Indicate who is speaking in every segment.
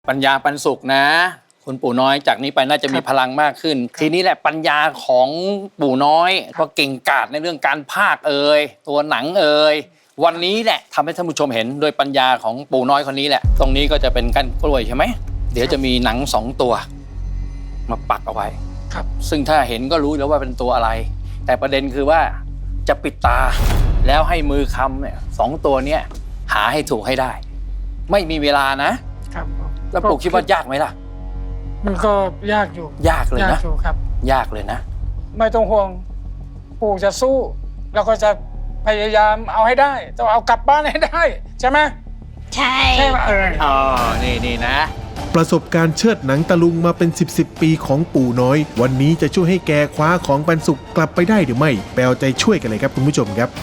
Speaker 1: ปัญญาปันสุขนะคุณปู่น้อยจากนี้ไปน่าจะมีพลังมากขึ้นทีนี้แหละปัญญาของปู่น้อยก็เก่งกาจในเรื่องการพากย์ตัวหนังวันนี้แหละทำให้ท่านผู้ชมเห็นโดยปัญญาของปู่น้อยคนนี้แหละตรงนี้ก็จะเป็นก้านกล้วยใช่ไหมเดี๋ยวจะมีหนัง2 ตัวมาปักเอาไว้
Speaker 2: ครับ
Speaker 1: ซึ่งถ้าเห็นก็รู้แล้วว่าเป็นตัวอะไรแต่ประเด็นคือว่าจะปิดตาแล้วให้มือคำเนี่ย2 ตัวเนี้ยหาให้ถูกให้ได้ไม่มีเวลานะครับแล้วปู่คิดว่ายากไหมล่ะ
Speaker 2: มันก็ยากอยู่
Speaker 1: ยากเลยนะ
Speaker 2: ยากอยู่ครับ
Speaker 1: ยากเลยนะ
Speaker 2: ไม่ต้องห่วงปู่จะสู้แล้วก็จะพยายามเอาให้ได้ต้องเอากลับบ้านให้ได้ใช่ไหม
Speaker 3: ใช่
Speaker 2: ใช่ไหม
Speaker 1: อ๋อนี่นะ
Speaker 4: ประสบการณ์เชิดหนังตะลุงมาเป็น10 ปีของปู่น้อยวันนี้จะช่วยให้แกคว้าของปันสุขกลับไปได้หรือไม่แปลใจช่วยกันเลยครับคุณผู้ชมครับ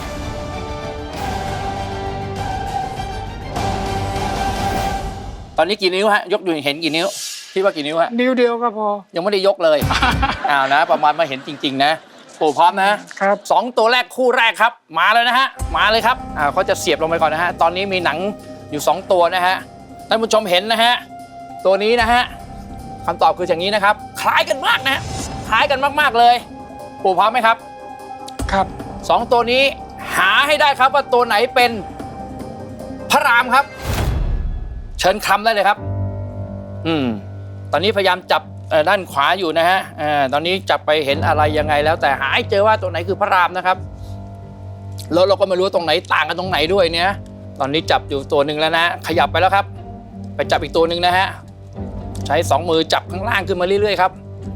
Speaker 1: ตอนนี้กี่นิ้วฮะยกอยู่เห็นกี่นิ้วคิดว่ากี่นิ้วฮะ
Speaker 2: นิ้วเดียวก็พอ
Speaker 1: ยังไม่ได้ยกเลย นะประมาณมาเห็นจริงๆนะปู่พร้อมนะครับ2 ตัวแรกคู่แรกครับมาเลยนะฮะมาเลยครับเขาจะเสียบลงไปก่อนนะฮะตอนนี้มีหนังอยู่2 ตัวนะฮะท่านผู้ชมเห็นนะฮะตัวนี้นะฮะคำตอบคืออย่างนี้นะครับคล้ายกันมากนะคล้ายกันมากๆเลยปู่พร้อมไหมครับ
Speaker 2: ครับ
Speaker 1: 2 ตัวนี้หาให้ได้ครับว่าตัวไหนเป็นพระรามครับเชิญคำได้เลยครับตอนนี้พยายามจับด้านขวาอยู่นะฮะตอนนี้จับไปเห็นอะไรยังไงแล้วแต่หาให้เจอว่าตัวไหนคือพระรามนะครับแล้วเราก็ไม่รู้ตรงไหนต่างกันตรงไหนด้วยเนี่ยตอนนี้จับอยู่ตัวหนึ่งแล้วนะขยับไปแล้วครับไปจับอีกตัวหนึ่งนะฮะใช้2 มือจับข้างล่างขึ้นมาเรื่อยๆครับ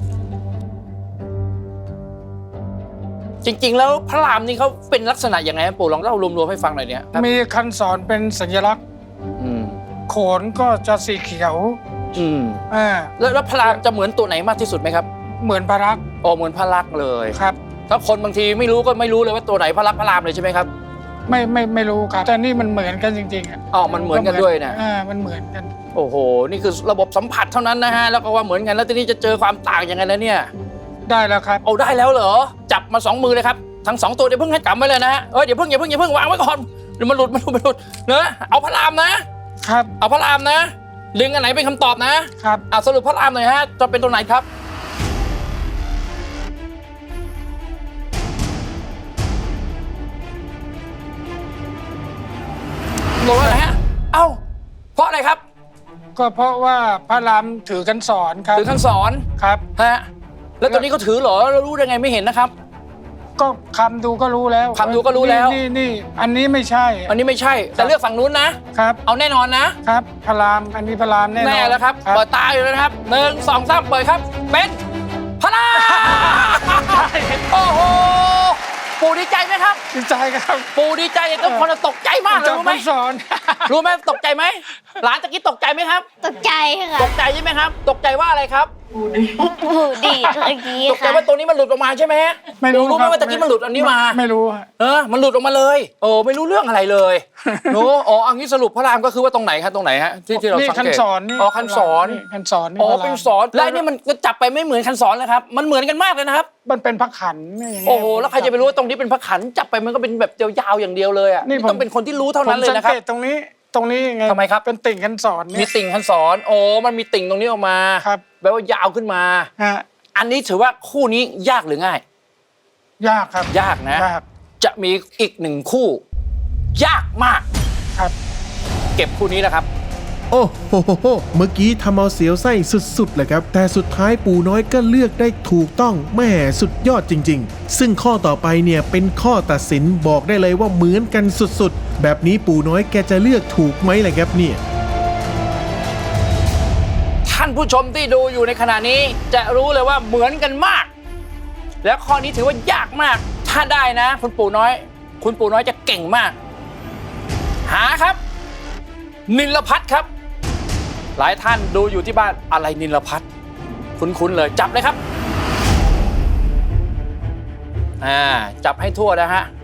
Speaker 1: จริงๆแล้วพระรามนี่เขาเป็นลักษณะยังไงปู่ลองเล่ารวมๆให้ฟังหน่อยเนี่ย
Speaker 2: มีคันศรเป็นสัญลักษณ์โขนก็จะสีเขียว
Speaker 1: แล้วพระรามจะเหมือนตัวไหนมากที่สุดไหมครับ
Speaker 2: เหมือนพระลักษณ์
Speaker 1: เหมือนพระลักษณ์เลย
Speaker 2: ครับ
Speaker 1: ถ้าคนบางทีไม่รู้ก็ไม่รู้เลยว่าตัวไหนพระลักษณ์พระรามเลยใช่ไหมครับ
Speaker 2: ไม่รู้ครับแต่นี่มันเหมือนกันจริงๆ
Speaker 1: มันเหมือนกันด้วยนะ
Speaker 2: มันเหมือนกัน
Speaker 1: โอ้โหนี่คือระบบสัมผัสเท่านั้นนะฮะแล้วก็ว่าเหมือนกันแล้วทีนี้จะเจอความต่างยังไงแล้วเนี่ย
Speaker 2: ได้แล้วครับ
Speaker 1: ได้แล้วเหรอจับมา2 มือเลยครับทั้ง2 ตัวเดี๋ยวเพิ่งให้กำไว้เลยนะฮะอย่าเพิ่งวางไว้ก่อนเดี๋ยวมันหลุดเนอะเอาพระรามนะครับเอาพระรามนะดึงอันไหนเป็นคำตอบนะครับสรุปพระรามหน่อยฮะจะเป็นตัวไหนครับโดนอะไรฮะเพราะอะไรครับ
Speaker 2: ก็เพราะว่าพระรามถือคันศรครับ
Speaker 1: ถือคันศร
Speaker 2: ครับ
Speaker 1: ฮะแล้วตัวนี้เขาถือเหรอเรารู้ได้ไงไม่เห็นนะครับ
Speaker 2: ก็คำดูก็รู้แล้วนี่อันนี้ไม่ใช่
Speaker 1: แต่เลือกฝั่งนู้นนะครับเอาแน่นอน
Speaker 2: นะครับพระรามอันนี้พระรามแน่นอน
Speaker 1: แน่แล้วครับเปิดตาอยู่แล้วนะครับ1 2 3เปิดครับเป็นพระรามโอ้โหปู่ดีใจไหมครับ
Speaker 2: ดีใจครับ
Speaker 1: ปู่ดีใจทุกคนตกใจมากเลยรู้ไหมรู้ไหมตกใจไหมหลานตะกี้ตกใจไหมครับ
Speaker 3: ตกใจค่ะ
Speaker 1: ตกใจใช่ไหมครับตกใจว่าอะไรครับ
Speaker 3: ปู่ดีเมื่อกี้
Speaker 1: ตกใจว่าตัวนี้มันหลุดออกมาใช่ไหม
Speaker 2: ไม่รู้
Speaker 1: ไหมว่าตะกี้มันหลุดอันนี้มา
Speaker 2: ไม่รู้
Speaker 1: มันหลุดออกมาเลยไม่รู้เรื่องอะไรเลยโน้อันนี้สรุปพระรามก็คือว่าตรงไหนครับตรงไหนฮะที่เราสังเกต
Speaker 2: คันศรนี่
Speaker 1: คันศรเป็นศรและนี่มันจับไปไม่เหมือนคันศรเลยครับมันเหมือนกันมากเลยนะครับ
Speaker 2: มันเป็นพระขัน
Speaker 1: แล้วใครจะไปรู้ว่าตรงนี้เป็นพระขันจับไปมันก็เป็นแบบยาวๆอย่างเดียวเลยนี่ต้องเป็นคนที่รู้เท่านั้นเลยนะครับ
Speaker 2: สังเกตตรงนี้ไง
Speaker 1: ทำไมครับ
Speaker 2: เป็นติ่งคันศร
Speaker 1: มีติ่งคันศรมันมีติ่งตรงนี้ออกมาแปลว่ายาวขึ้นมาอันนี้ถือว่าคู่นี้ยากหรือง่าย
Speaker 2: ยากครับ
Speaker 1: ยากนะจะมีอีก1 คู่ยากมาก
Speaker 2: ครับ
Speaker 1: เก็บคู่นี้แล้วครับ
Speaker 4: โอ้โหเมื่อกี้ทำเอาเสียวไส้สุดๆเลยครับแต่สุดท้ายปู่น้อยก็เลือกได้ถูกต้องแม่สุดยอดจริงๆซึ่งข้อต่อไปเนี่ยเป็นข้อตัดสินบอกได้เลยว่าเหมือนกันสุดๆแบบนี้ปู่น้อยแกจะเลือกถูกไหมล่ะครับเนี่ย
Speaker 1: ท่านผู้ชมที่ดูอยู่ในขณะนี้จะรู้เลยว่าเหมือนกันมากแล้วข้อนี้ถือว่ายากมากถ้าได้นะคุณปู่น้อยจะเก่งมากหาครับนิลภัทรครับหลายท่านดูอยู่ที่บ้านอะไรนิลภัทรคุ้นๆเลยจับเลยครับจับให้ทั่วนะฮะ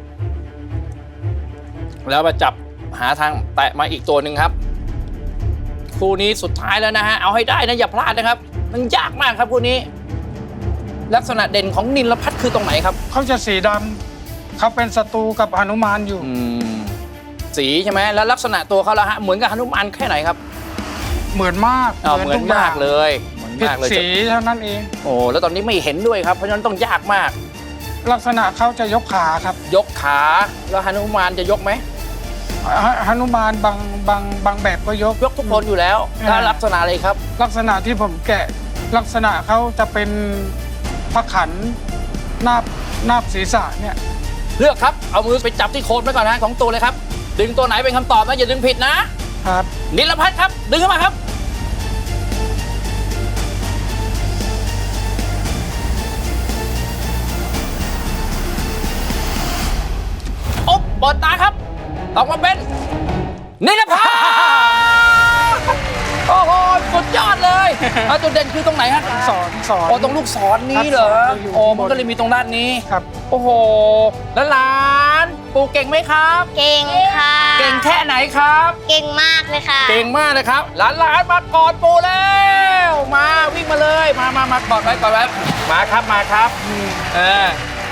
Speaker 1: แล้วมาจับหาทางแตะมาอีกตัวหนึ่งครับคู่นี้สุดท้ายแล้วนะฮะเอาให้ได้นะอย่าพลาดนะครับมันยากมากครับคู่นี้ลักษณะเด่นของนิลภัทรคือตรงไหนครับ
Speaker 2: เขาจะสีดำเขาเป็นศัตรูกับหนุมานอยู่
Speaker 1: สีใช่ไหมแล้วลักษณะตัวเขาละฮะเหมือนกับหนุมานแค่ไหนครับ
Speaker 2: เหมือนมาก
Speaker 1: เหมือน
Speaker 2: ทุอย่
Speaker 1: มาง กเลยเหมือน
Speaker 2: ผิด
Speaker 1: มากเลย
Speaker 2: สีเท่านั้นเอง
Speaker 1: โอ้แล้วตอนนี้ไม่เห็นด้วยครับเพราะฉะนั้นต้องยากมาก
Speaker 2: ลักษณะเขาจะยกขาครับ
Speaker 1: ยกขาแล้วหนุมานจะยกไหม
Speaker 2: หนุมานบางแบบก็ยก
Speaker 1: ยกทุกคนอยู่แล้วถ้าลักษณะอะไรครับ
Speaker 2: ลักษณะที่ผมแกะลักษณะเขาจะเป็นพระขันนาบศีรษะเนี่ย
Speaker 1: เลือกครับเอามือไปจับที่โคนไว้ก่อนนะของตัวเลยครับดึงตัวไหนเป็นคำตอบนะอย่าดึงผิดนะครับ นิลพัฒน์ครับดึงเข้ามาครับโอ๊บเปิดตาครับออกมาเป็นนิลพัฒน์โอ้โหสุดยอดเลยเอาจุดเด่นคือตรงไหนฮะ
Speaker 2: สอน
Speaker 1: โอ้ตรงลูกศรนี้เหรอ
Speaker 2: ครับอยู่
Speaker 1: โอ้
Speaker 2: ข้างบน
Speaker 1: มันก็เลยมีตรงด้านนี้
Speaker 2: ครับ
Speaker 1: โอ้โหแล้วหลานปู่เก่งไหมครับ
Speaker 3: เก่งค่ะ
Speaker 1: เก่งแค่ไหนครับ
Speaker 3: เก่งมากเลยค่ะ
Speaker 1: เก่งมากเลยครับหลานมากอดปู่แล้วมาวิ่งมาเลยมากอดไว้มาครับเออ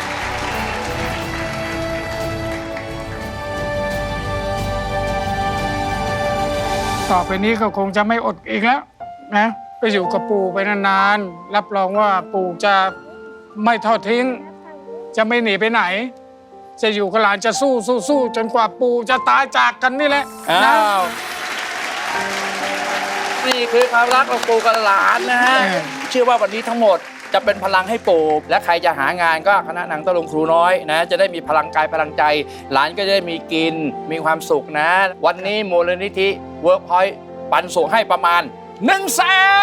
Speaker 2: ต่อไปนี้ก็คงจะไม่อดอีกแล้วนะไปอยู่กับปู่ไปนานๆรับรองว่าปู่จะไม่ทอดทิ้ง จะไม่หนีไปไหน จะอยู่กับหลานจะสู้จนกว่าปู่จะตายจากกันนี่แหละ
Speaker 1: อ้า
Speaker 2: นะ
Speaker 1: วนี่คือความรักของปู่กับหลานนะฮะ เชื่อว่าวันนี้ทั้งหมดจะเป็นพลังให้ปู่และใครจะหางานก็คณะหนังตะลุงครูน้อยนะจะได้มีพลังกายพลังใจ หลานก็จะได้มีกินมีความสุขนะ วันนี้มูลนิธิเวิร์กพอยต์ปันส่งให้ประมาณ 100,000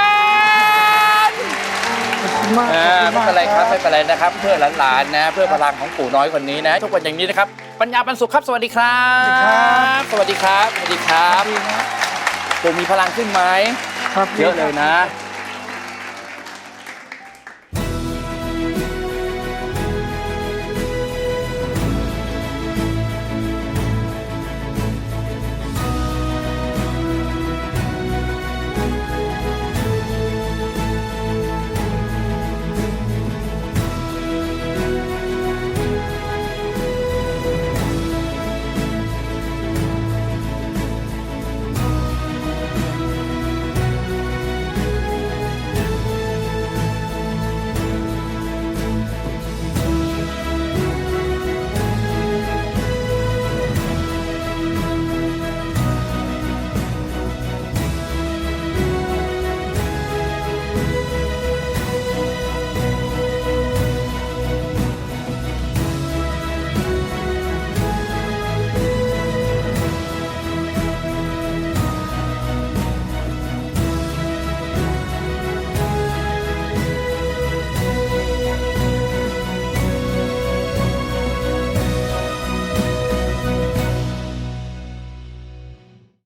Speaker 2: มาก
Speaker 1: ไม่เป็นไรครับไม่เป็นไรนะครับ เพื่อหลานๆนะ เพื่อพลังของปู่น้อยคนนี้นะ ทุกวันอย่างนี้นะครับ ปัญญาปันสุขครับ สวัสดีครับ สวัสดีครับ สวัสดีครับ ปู่มีพลังขึ้นไหม
Speaker 2: ครับ
Speaker 1: เยอะเลยนะ